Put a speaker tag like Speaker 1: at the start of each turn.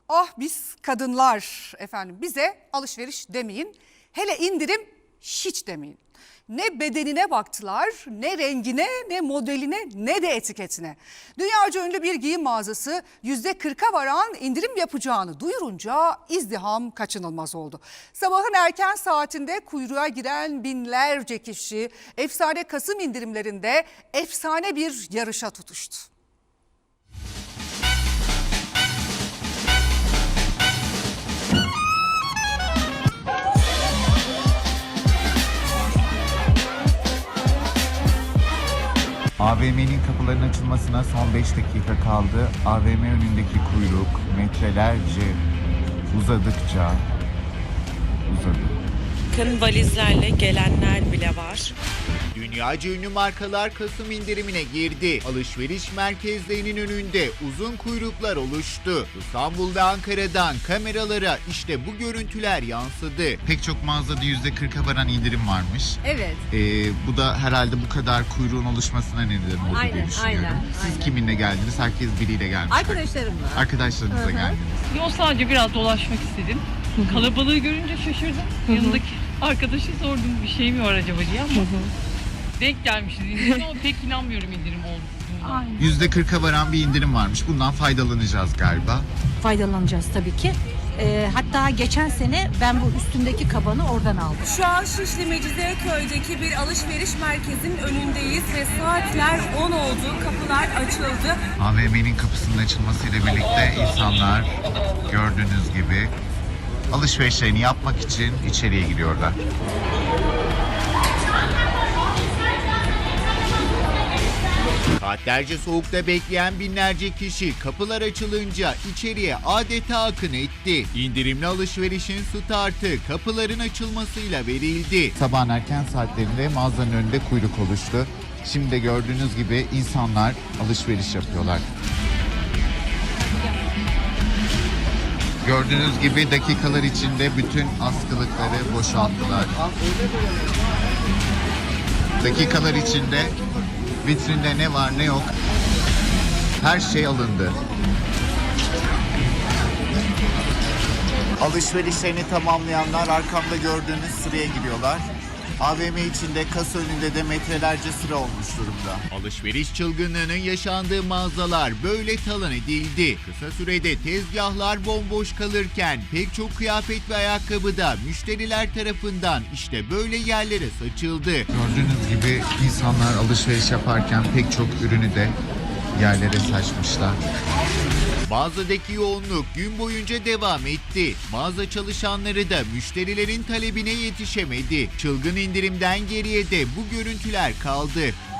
Speaker 1: Ah biz kadınlar efendim, bize alışveriş demeyin, hele indirim hiç demeyin. Ne bedenine baktılar, ne rengine, ne modeline, ne de etiketine. Dünyaca ünlü bir giyim mağazası %40'a varan indirim yapacağını duyurunca izdiham kaçınılmaz oldu. Sabahın erken saatinde kuyruğa giren binlerce kişi efsane Kasım indirimlerinde efsane bir yarışa tutuştu.
Speaker 2: AVM'nin kapılarının açılmasına son 5 dakika kaldı. AVM önündeki kuyruk metrelerce uzadıkça uzadı.
Speaker 3: Bakın valizlerle gelenler bile var.
Speaker 4: Dünyaca ünlü markalar Kasım indirimine girdi. Alışveriş merkezlerinin önünde uzun kuyruklar oluştu. İstanbul'da Ankara'dan kameralara işte bu görüntüler yansıdı.
Speaker 2: Pek çok mağazada %40'a varan indirim varmış.
Speaker 5: Evet.
Speaker 2: Bu da herhalde bu kadar kuyruğun oluşmasına neden oldu diye
Speaker 5: Aynen,
Speaker 2: düşünüyorum.
Speaker 5: aynen,
Speaker 2: Siz
Speaker 5: aynen.
Speaker 2: kiminle geldiniz? Herkes biriyle gelmiş.
Speaker 5: Arkadaşlarımla.
Speaker 2: Arkadaşlarınızla geldiniz.
Speaker 6: Yo, sadece biraz dolaşmak istedim. Kalabalığı görünce şaşırdım. Yanındaki arkadaşı sordum bir şey mi var acaba diye ama denk gelmişiz indirim ama pek inanmıyorum indirim olduğuna.
Speaker 2: %40'a varan bir indirim varmış. Bundan faydalanacağız galiba.
Speaker 7: Faydalanacağız tabii ki. Hatta geçen sene ben bu üstündeki kabanı oradan aldım.
Speaker 8: Şu an Şişli Mecidiyeköy'deki bir alışveriş merkezinin önündeyiz ve saatler 10 oldu, kapılar açıldı.
Speaker 2: AVM'nin kapısının açılmasıyla birlikte insanlar gördüğünüz gibi alışverişlerini yapmak için içeriye giriyorlar.
Speaker 4: Saatlerce soğukta bekleyen binlerce kişi kapılar açılınca içeriye adeta akın etti. İndirimli alışverişin startı kapıların açılmasıyla verildi.
Speaker 2: Sabahın erken saatlerinde mağazanın önünde kuyruk oluştu. Şimdi de gördüğünüz gibi insanlar alışveriş yapıyorlar. Gördüğünüz gibi dakikalar içinde bütün askılıkları boşalttılar. Dakikalar içinde vitrinde ne var ne yok her şey alındı. Alışverişlerini tamamlayanlar arkamda gördüğünüz sıraya giriyorlar. AVM içinde kasa önünde de metrelerce sıra olmuş durumda.
Speaker 4: Alışveriş çılgınlığının yaşandığı mağazalar böyle talan edildi. Kısa sürede tezgahlar bomboş kalırken pek çok kıyafet ve ayakkabı da müşteriler tarafından işte böyle yerlere saçıldı.
Speaker 2: Gördüğünüz gibi insanlar alışveriş yaparken pek çok ürünü de yerlere saçmışlar.
Speaker 4: Mağazadaki yoğunluk gün boyunca devam etti. Mağaza çalışanları da müşterilerin talebine yetişemedi. Çılgın indirimden geriye de bu görüntüler kaldı.